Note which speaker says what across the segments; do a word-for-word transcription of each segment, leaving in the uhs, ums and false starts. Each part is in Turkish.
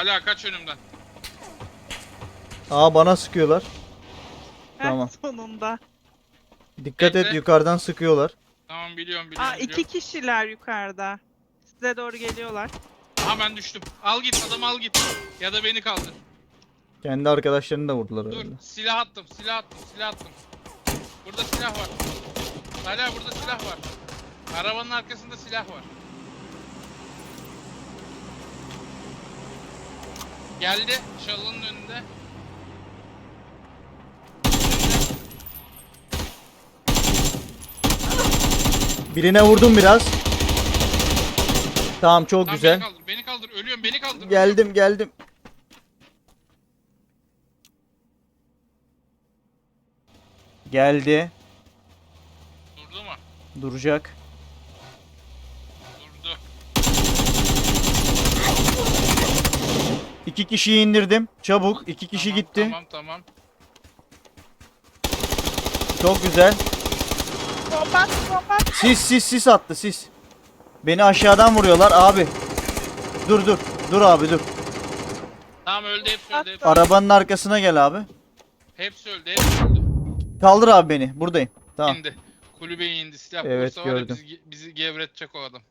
Speaker 1: Hala kaç önümden.
Speaker 2: Aa bana sıkıyorlar.
Speaker 3: Heh,
Speaker 2: Tamam.
Speaker 3: sonunda.
Speaker 2: Dikkat et,
Speaker 1: Bekle.
Speaker 2: yukarıdan sıkıyorlar.
Speaker 1: Tamam biliyorum biliyorum.
Speaker 3: Aa iki
Speaker 1: biliyorum.
Speaker 3: kişiler yukarıda. Size doğru geliyorlar.
Speaker 1: Aha ben düştüm. Al git adam al git. Ya da beni kaldır.
Speaker 2: Kendi arkadaşlarını da vurdular
Speaker 1: Dur
Speaker 2: herhalde.
Speaker 1: silah attım silah attım silah attım. Burada silah var. Hala burada silah var. Arabanın arkasında silah var. Geldi çalının önünde.
Speaker 2: Birine vurdum biraz. Tamam, çok
Speaker 1: Tamam,
Speaker 2: güzel.
Speaker 1: Beni kaldır, beni kaldır. Ölüyorum, beni kaldır.
Speaker 2: Geldim geldim. Geldi.
Speaker 1: Durdu mu?
Speaker 2: Duracak.
Speaker 1: Durdu.
Speaker 2: İki kişiyi indirdim. Çabuk. iki kişi
Speaker 1: Tamam,
Speaker 2: gitti.
Speaker 1: Tamam, tamam.
Speaker 2: Çok güzel.
Speaker 3: Bomba bomba.
Speaker 2: Sis sis sis attı sis. Beni aşağıdan vuruyorlar abi. Dur dur. Dur abi dur.
Speaker 1: Tamam öldü, hepsi öldü. Hepsi,
Speaker 2: Arabanın arkasına gel abi.
Speaker 1: hepsi öldü, hepsi öldü.
Speaker 2: Kaldır abi beni. Buradayım. Tamam.
Speaker 1: İndi. Kulübeye indi. Silah
Speaker 2: Evet,
Speaker 1: bulursa var ya
Speaker 2: gördüm.
Speaker 1: bizi, bizi gevretecek o adam.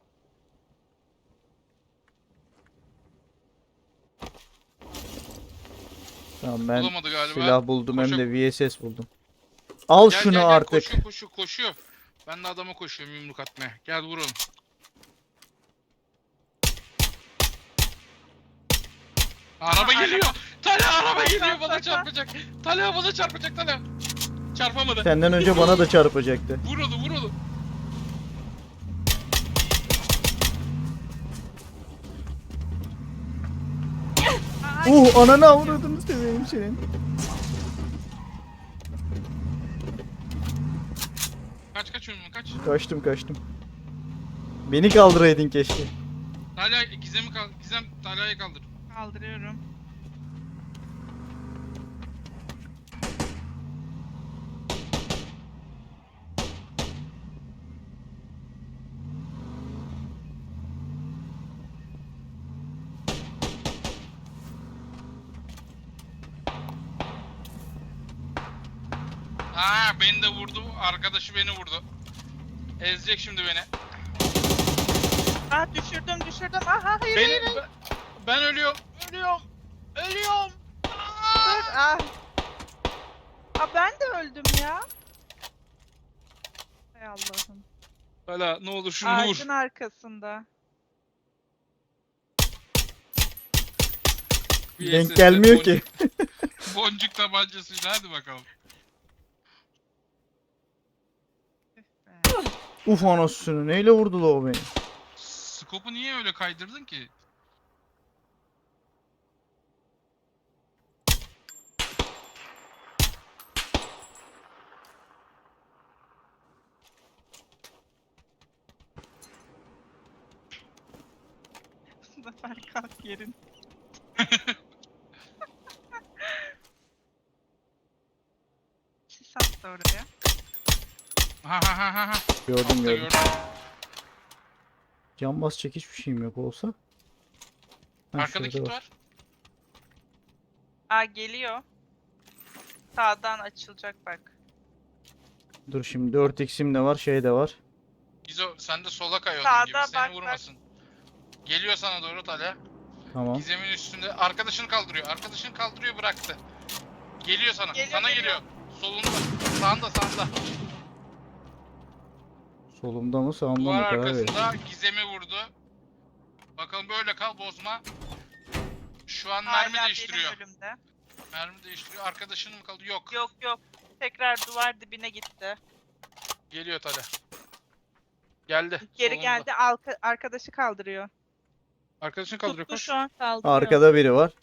Speaker 2: Tamam, ben
Speaker 1: Bulamadı galiba.
Speaker 2: silah buldum hem
Speaker 1: Koşa-
Speaker 2: de V S S buldum. Al
Speaker 1: Gel,
Speaker 2: şunu
Speaker 1: gel, gel.
Speaker 2: artık.
Speaker 1: Koşuyor, koşuyor, koşuyor. Ben de adama koşuyorum yumruk atmaya. Gel vuralım. Araba geliyor. Talha araba geliyor bana çarpacak. Talha bana çarpacak Talha. Çarpamadı.
Speaker 2: Senden önce bana da çarpacaktı.
Speaker 1: Vur onu vur onu.
Speaker 3: Ay,
Speaker 2: Uh, ananı avradını seveyim senin.
Speaker 1: Kaç kaç önüme kaç.
Speaker 2: Kaçtım kaçtım. Beni kaldıraydın keşke.
Speaker 1: Talha Gizem'i kaldır. Gizem Talha'yı kaldır.
Speaker 3: kaldırıyorum.
Speaker 1: Aa beni de vurdu. Arkadaşı beni vurdu. Ezecek şimdi beni.
Speaker 3: Ah düşürdüm düşürdüm. Aha hayır
Speaker 1: Beni
Speaker 3: hayır. hayır.
Speaker 1: ben, ben ölüyorum. Ölüyorum. Ölüyorum.
Speaker 3: Dur ah. Aa ben de öldüm ya. Hay Allah'ım.
Speaker 1: Hala ne olur şunu
Speaker 3: Ağacın
Speaker 1: vur.
Speaker 3: arkasında.
Speaker 1: Bir
Speaker 2: Denk
Speaker 1: S S
Speaker 2: gelmiyor
Speaker 1: boncuk-
Speaker 2: ki.
Speaker 1: Boncuk tabancasıyla hadi bakalım.
Speaker 2: Uf anasını, neyle vurdu la o beni?
Speaker 1: Skopu niye öyle kaydırdın ki?
Speaker 3: Zafer kalk yerin. Sis attı oraya.
Speaker 1: Ha ha ha ha ha.
Speaker 2: Gördüm
Speaker 1: Altta
Speaker 2: gördüm.
Speaker 1: gördüm.
Speaker 2: Can bas çekiş bir şeyim yok olsa. Ha,
Speaker 1: Arkada
Speaker 2: şurada
Speaker 1: kit var.
Speaker 3: Aa geliyor. Sağdan açılacak bak.
Speaker 2: Dur şimdi dört x'im de var, şey de var.
Speaker 1: Gizo sen de sola kay onun
Speaker 3: Sağda
Speaker 1: gibi
Speaker 3: bak,
Speaker 1: seni
Speaker 3: bak.
Speaker 1: vurmasın. Geliyor sana doğru Talha.
Speaker 2: Tamam.
Speaker 1: Gizem'in üstünde. Arkadaşını kaldırıyor. Arkadaşını kaldırıyor bıraktı. Geliyor sana.
Speaker 3: Geliyor,
Speaker 1: sana
Speaker 3: geliyor.
Speaker 1: geliyor. Solunda. Sağında sağında.
Speaker 2: Solumda mı sağımda mı
Speaker 1: Duvar
Speaker 2: karar ver.
Speaker 1: arkasında Gizem'i vurdu. Bakalım böyle kal bozma. Şu an mermi
Speaker 3: Hala benim
Speaker 1: değiştiriyor.
Speaker 3: önümde.
Speaker 1: Mermi değiştiriyor. Arkadaşının mı kaldı? Yok.
Speaker 3: Yok yok. Tekrar duvar dibine gitti.
Speaker 1: Geliyor Talha. Geldi.
Speaker 3: Geri
Speaker 1: solunda.
Speaker 3: geldi. Alka, arkadaşı kaldırıyor.
Speaker 1: Arkadaşını kaldırıyor.
Speaker 3: Tuttu
Speaker 1: Koş.
Speaker 3: şu an kaldırıyor.
Speaker 2: Arkada biri var.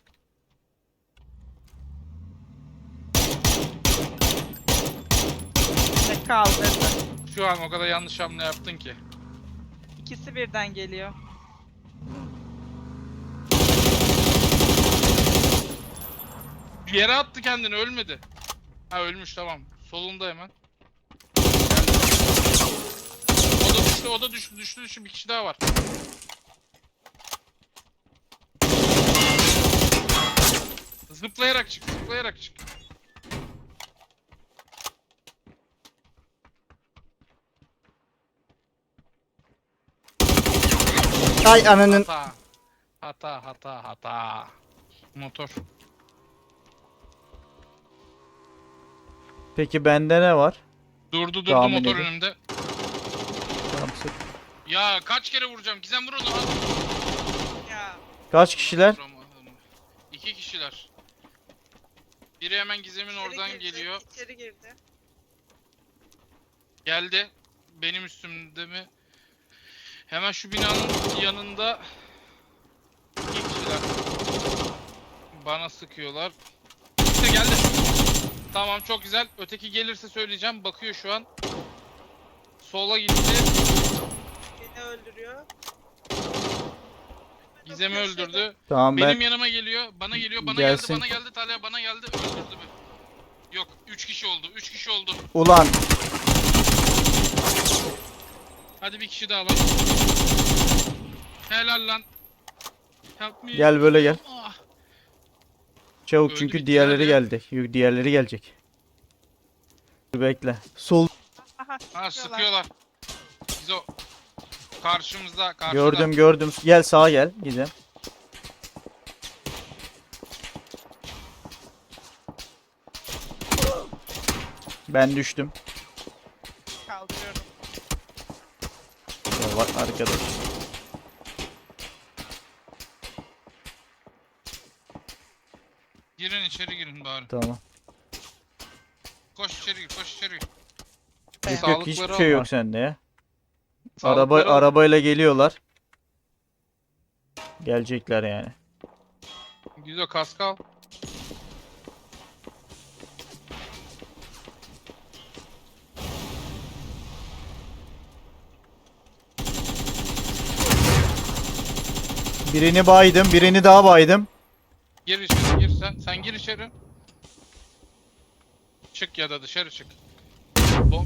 Speaker 3: Ve kaldırdı.
Speaker 1: Şu an o kadar yanlış hamle yaptın ki.
Speaker 3: İkisi birden geliyor.
Speaker 1: Bir yere attı kendini ölmedi. Ha ölmüş tamam. Solunda hemen. Geldi. O da düştü o da düştü düştü düştü bir kişi daha var. Zıplayarak çık, zıplayarak çık.
Speaker 2: Ay ananın.
Speaker 1: Hata. Hata, hata, hata. Motor.
Speaker 2: Peki bende ne var?
Speaker 1: Durdu durdu
Speaker 2: Tahmin
Speaker 1: motor
Speaker 2: edin.
Speaker 1: önümde.
Speaker 2: Tamam, sık.
Speaker 1: Ya kaç kere vuracağım? Gizem vur onu.
Speaker 3: Ya.
Speaker 2: Kaç kişiler?
Speaker 1: Vuramadım. İki kişiler. Biri hemen Gizem'in
Speaker 3: içeri
Speaker 1: oradan
Speaker 3: girdi,
Speaker 1: geliyor.
Speaker 3: İçeri girdi.
Speaker 1: Geldi. Benim üstümde mi? Hemen şu binanın yanında iki kişiler. Bana sıkıyorlar. İşte geldi. Tamam, çok güzel. Öteki gelirse söyleyeceğim. Bakıyor şu an. Sola gitti.
Speaker 3: Beni öldürüyor.
Speaker 1: Gizem'i
Speaker 3: Köşede.
Speaker 1: öldürdü.
Speaker 2: Tamam
Speaker 1: Benim
Speaker 2: ben
Speaker 1: yanıma geliyor. Bana geliyor. Bana
Speaker 2: Gelsin.
Speaker 1: geldi. Bana geldi. Talha bana geldi. Öldürdü mü? Yok. Üç kişi oldu. Üç kişi oldu.
Speaker 2: ulan
Speaker 1: Hadi bir kişi daha var. Helal lan. Help me.
Speaker 2: Gel böyle gel.
Speaker 1: Ah.
Speaker 2: çabuk
Speaker 1: Öldü,
Speaker 2: çünkü
Speaker 1: bittiler
Speaker 2: diğerleri
Speaker 1: ya.
Speaker 2: geldi. Yok, diğerleri gelecek. Dur bekle. Sol
Speaker 3: Aha,
Speaker 1: Ha,
Speaker 3: sıkıyorlar.
Speaker 1: sıkıyorlar. Biz o karşımızda, karşıda.
Speaker 2: gördüm gördüm. Gel sağa gel Gizem. Ben düştüm.
Speaker 3: Kaldırıyorum.
Speaker 2: Ya bak arkadaş.
Speaker 1: Girin içeri girin bari.
Speaker 2: Tamam.
Speaker 1: Koş içeri gir, koş içeri gir.
Speaker 2: Yok yok
Speaker 1: Sağlıkları
Speaker 2: hiçbir
Speaker 1: al
Speaker 2: şey yok
Speaker 1: bak.
Speaker 2: sende ya. Araba
Speaker 1: Sağlıkları al.
Speaker 2: arabayla geliyorlar. Gelecekler yani.
Speaker 1: Güzel, kask al.
Speaker 2: Birini baydım, birini daha baydım.
Speaker 1: Gir içeri, gir sen. Sen gir içeri. Çık ya da dışarı çık. Bom.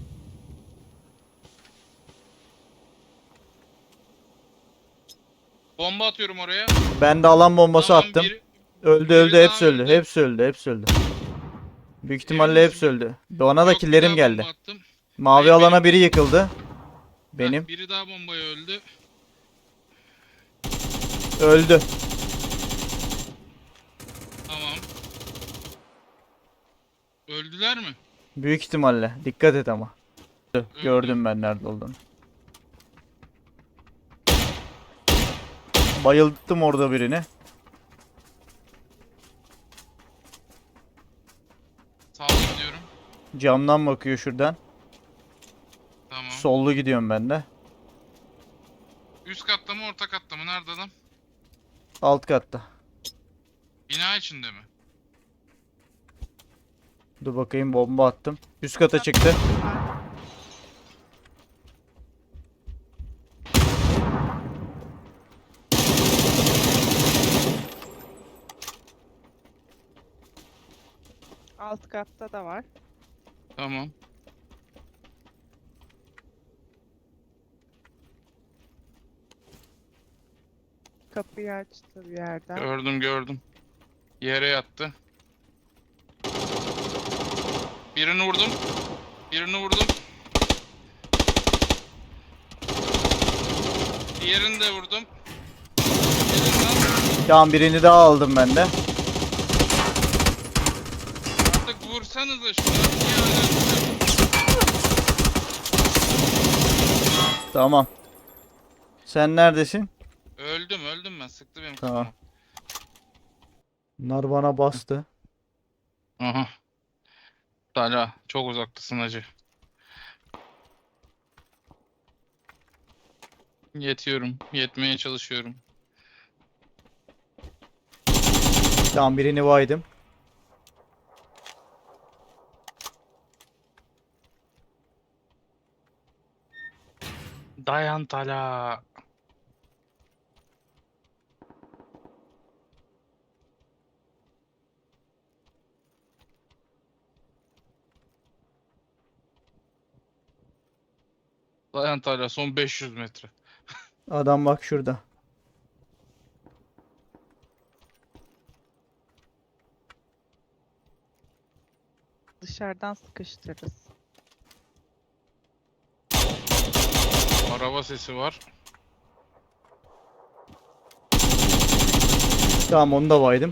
Speaker 1: Bomba atıyorum oraya.
Speaker 2: Ben de alan bombası
Speaker 1: Tamam,
Speaker 2: attım.
Speaker 1: biri-
Speaker 2: Öldü
Speaker 1: biri
Speaker 2: öldü
Speaker 1: daha
Speaker 2: hepsi öldü.
Speaker 1: öldü.
Speaker 2: Hepsi öldü, hepsi öldü. Büyük ihtimalle
Speaker 1: Emin
Speaker 2: hepsi
Speaker 1: misin?
Speaker 2: öldü. Bana da
Speaker 1: Yok, bir
Speaker 2: killerim
Speaker 1: daha
Speaker 2: geldi.
Speaker 1: bomba attım.
Speaker 2: Mavi
Speaker 1: Hayır,
Speaker 2: alana
Speaker 1: benim-
Speaker 2: biri yıkıldı.
Speaker 1: Heh,
Speaker 2: Benim.
Speaker 1: biri daha bombaya öldü.
Speaker 2: Öldü.
Speaker 1: Tamam. Öldüler mi?
Speaker 2: Büyük ihtimalle. Dikkat et ama.
Speaker 1: Öldü.
Speaker 2: Gördüm ben nerede olduğunu. Bayılttım orada birini.
Speaker 1: Sağ gidiyorum.
Speaker 2: Camdan bakıyor şuradan.
Speaker 1: Tamam.
Speaker 2: Sollu gidiyorum ben de.
Speaker 1: Üst katta mı, orta katta mı? Nerede adam?
Speaker 2: Alt katta.
Speaker 1: Bina içinde mi?
Speaker 2: Dur bakayım bomba attım. Üst kata çıktı.
Speaker 3: Alt katta da var.
Speaker 1: Tamam.
Speaker 3: Kapıyı açtı bir yerden.
Speaker 1: Gördüm gördüm. Yere yattı. Birini vurdum. Birini vurdum. Diğerini de vurdum. Elinden
Speaker 2: Tamam birini daha aldım ben de.
Speaker 1: artık vursanıza şunu. Niye öyle?
Speaker 2: Tamam. Sen neredesin?
Speaker 1: Öldüm öldüm ben. Sıktı benim
Speaker 2: Tamam.
Speaker 1: kafama.
Speaker 2: Bunlar bana bastı.
Speaker 1: Aha. Hala çok uzaktasın hacı. Yetiyorum. Yetmeye çalışıyorum.
Speaker 2: Tamam birini baydım.
Speaker 1: Dayan Tala. Dayan Tala, son beş yüz metre.
Speaker 2: Adam bak şurada.
Speaker 3: dışarıdan sıkıştırırız.
Speaker 1: Araba sesi var.
Speaker 2: Tamam onu da baydım.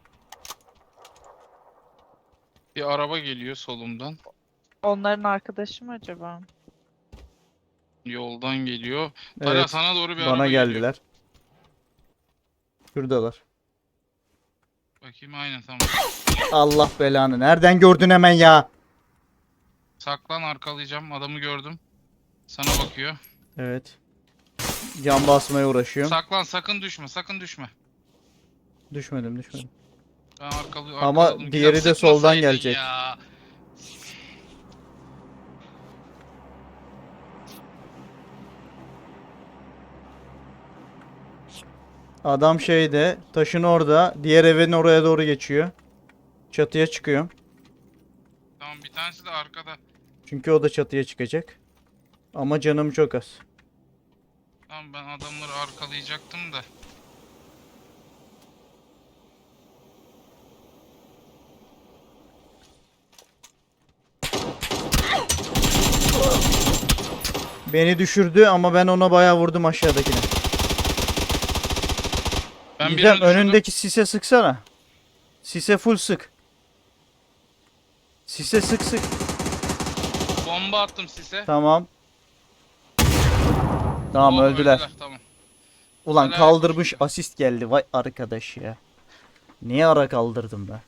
Speaker 1: Bir araba geliyor solumdan.
Speaker 3: Onların arkadaşı mı acaba?
Speaker 1: Yoldan geliyor. Talha
Speaker 2: Evet.
Speaker 1: sana doğru bir araba
Speaker 2: Bana
Speaker 1: geliyor.
Speaker 2: geldiler. Şuradalar.
Speaker 1: Bakayım aynen tamam.
Speaker 2: Allah belanı. Nereden gördün hemen ya?
Speaker 1: Saklan arkalayacağım. Adamı gördüm. Sana bakıyor.
Speaker 2: Evet. Can basmaya uğraşıyorum.
Speaker 1: Saklan sakın düşme sakın düşme.
Speaker 2: Düşmedim düşmedim.
Speaker 1: Ben arkalı,
Speaker 2: Ama
Speaker 1: arkaladım.
Speaker 2: diğeri
Speaker 1: Güzel,
Speaker 2: de soldan
Speaker 1: sıkmasaydın
Speaker 2: gelecek.
Speaker 1: Ya.
Speaker 2: Adam şeyde, taşın orada, diğer evin oraya doğru geçiyor. Çatıya çıkıyorum.
Speaker 1: Tamam bir tanesi de arkada.
Speaker 2: Çünkü o da çatıya çıkacak. Ama canım çok az.
Speaker 1: Tamam ben adamları arkalayacaktım da.
Speaker 2: Beni düşürdü ama ben ona bayağı vurdum aşağıdakine.
Speaker 1: Ben
Speaker 2: Gizem
Speaker 1: birini düşürdüm.
Speaker 2: önündeki sise sıksana. Sise full sık. Sise sık sık.
Speaker 1: Bomba attım size.
Speaker 2: Tamam. Tamam
Speaker 1: Oh,
Speaker 2: öldüler.
Speaker 1: Tamam.
Speaker 2: Ulan
Speaker 1: Helal
Speaker 2: kaldırmış
Speaker 1: olsun.
Speaker 2: asist geldi. Vay arkadaş ya. Niye ara kaldırdım ben?